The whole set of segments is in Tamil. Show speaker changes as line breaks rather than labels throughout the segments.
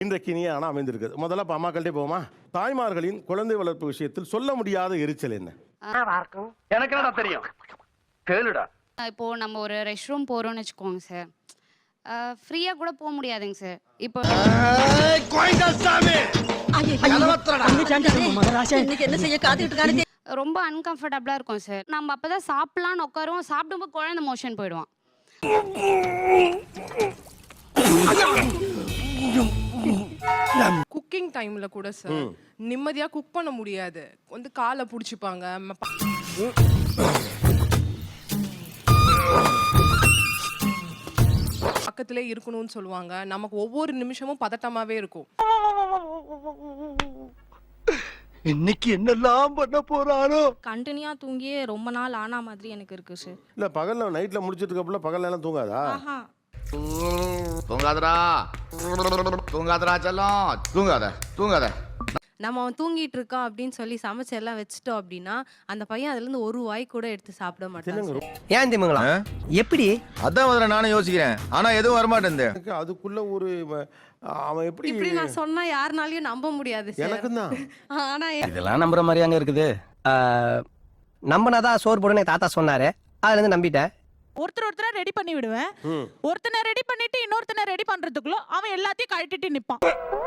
இன்றைக்கு நீ ஆனால் அமைந்திருக்குது. முதல்ல இப்போ அம்மாக்கள்டே போமா. தாய்மார்களின் குழந்தை வளர்ப்பு விஷயத்தில் சொல்ல முடியாத எரிச்சல் என்ன?
எனக்கு என்னடா தெரியும், கேளுடா.
இப்போ நம்ம ஒரு ரெஸ்ட் ரூம் போறோம்னு வச்சுக்கோங்க சார், ஃப்ரீயா கூட போக முடியாதுங்க சார். இப்போ
என்ன செய்ய காத்துக்கிட்டு இருக்கானே
ரொம்ப அன்கம்ஃபர்டபுளா இருக்கும் சார். நம்ம அப்பதான் சாப்பிடலாம்னு உட்காருவோம், சாப்பிடும்போது குழந்தை மோஷன் போயிடுவான்.
குக்கிங் டைம்ல கூட சார் நிம்மதியா குக் பண்ண முடியாது. வந்து காலை புடிச்சுப்பாங்க, பக்கத்திலே இருக்கணும்னு சொல்லுவாங்க. நமக்கு ஒவ்வொரு நிமிஷமும் பதட்டமாவே இருக்கும்.
இன்னைக்கு என்னெல்லாம் பண்ண போறானோ.
கண்டினியூவா தூங்கியே ரொம்ப நாள் ஆனா மாதிரி எனக்கு இருக்கு சார்.
இல்லை பகல்ல நைட்டில் முடிச்சிட்டு இருக்கப்பல பகல்ல எல்லாம் தூங்காதா?
தூங்காதடா தூங்காதடா செல்லம், தூங்காத.
நம்ம அவன் தூங்கிட்டு இருக்கான் அப்படின்னு சொல்லி சமைச்சு எல்லாம் வச்சுட்டோம் அப்படின்னா அந்த பையன் அதுல இருந்து ஒரு வாய் கூட எடுத்து சாப்பிட மாட்டான்.
ஏன் திமுங்களா எப்படி?
அதான் முதல்ல நானும் யோசிக்கிறேன், ஆனா எதுவும் வரமாட்டேன்.
அதுக்குள்ள ஒரு அவன் எப்படி
இப்படி நான் சொன்னா யாருனாலையும் நம்ப முடியாது சார்.
எனக்கும் தான்.
ஆனா
இதெல்லாம் நம்புற மாதிரியாங்க இருக்குது. நம்பினாதான் சோறு போடுன்னு தாத்தா சொன்னாரு, அதுல இருந்து நம்பிட்டேன்.
ஒருத்தரை ரெடி பண்ணி விடுவேன். ஒருத்தனை ரெடி பண்ணிட்டு இன்னொருத்தனை ரெடி பண்றதுக்குள்ள அவன் எல்லாத்தையும் கழட்டிட்டு நிப்பான்.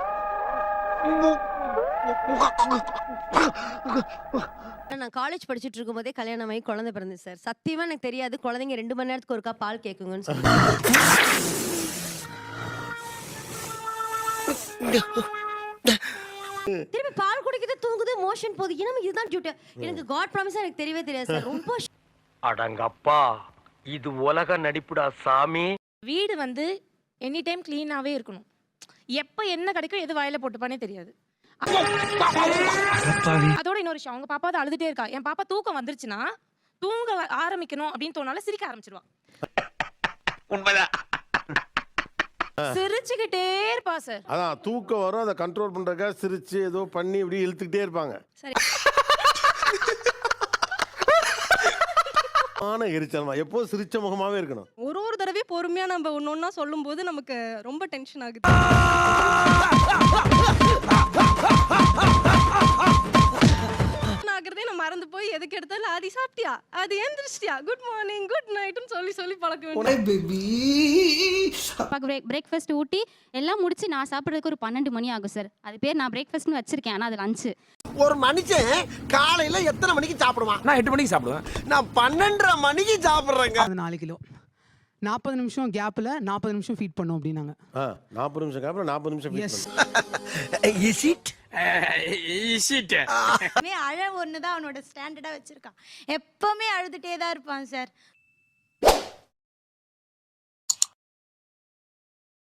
நான் காலேஜ் படிச்சுட்டு இருக்கும் போதே கல்யாணம் ஆகி குழந்தை பிறந்து சார். சத்தியமா எனக்கு தெரியாது குழந்தைங்க 2 மணி நேரத்துக்கு ஒருக்கா பால் கேக்குங்கன்னு சொல்லி. திரும்பி பால் குடிக்குது, தூங்குது, மோஷன் போகுது. ஏன்னா இதுதான் டியூட்டி. எனக்கு காட் ப்ராமிஸா எனக்கு தெரியவே தெரியாது சார். ரொம்ப
அடங்கப்பா, இது உலக நடிப்புடா சாமி.
வீடு வந்து எனி டைம் கிளீனாவே இருக்கணும். எப்ப என்ன கிடைக்கும் எது வாயில போட்டுப்பானே தெரியாது. அதோட இன்னொரு விஷயம், அவங்க பாப்பா தான் அழுதுட்டே இருக்கா. என் பாப்பா தூக்கம் வந்துருச்சுன்னா தூங்க ஆரம்பிக்கணும் அப்படின்னு தோணால சிரிக்க ஆரம்பிச்சிருவா. சிரிச்சுக்கிட்டே இருப்பா சார்.
அதான் தூக்கம் வரும், அதை கண்ட்ரோல் பண்றதுக்காக சிரிச்சு ஏதோ பண்ணி இப்படி இழுத்துக்கிட்டே இருப்பாங்க.
சரி.
எரிச்சல்மா எப்போ சிரிச்ச முகமாவே இருக்கணும்.
ஒரு தடவை பொறுமையா நம்ம ஒன்னொன்னா சொல்லும் போது நமக்கு ரொம்ப டென்ஷன் ஆகுது. ஆகிறதே நான் மறந்து போய் எதுக்கு எடுத்தாலும் ஆதி சாப்பிட்டியா, அது எந்திரிச்சிட்டியா, குட் மார்னிங் குட் நைட்னு சொல்லி பழக்க வேண்டும்.
பிரேக்ஃபாஸ்ட் ஊட்டி எல்லாம் முடிச்சு நான் சாப்பிட்றதுக்கு ஒரு 12 மணி ஆகும் சார். அது பேர் நான் பிரேக்ஃபாஸ்ட்னு வச்சிருக்கேன், ஆனால் அது லஞ்சு.
ஒரு மனுஷன் காலையில எத்தனை மணிக்கு சாப்பிடுவான்?
நான் 8 மணிக்கு சாப்பிடுவேன்.
நான் 12:30 மணிக்கு சாப்பிடுறேங்க.
4 கிலோ 40 நிமிஷம் கேப்ல 40 நிமிஷம் ஃபீட் பண்ணோம் அப்படின்னாங்க.
40 நிமிஷம் கேப்ல 40 நிமிஷம்
எஸ்.
அழ ஒண்ணுதான் அவனோட ஸ்டாண்டர்டா வச்சிருக்கான். எப்பவுமே அழுதுட்டே தான் இருப்பான் சார்.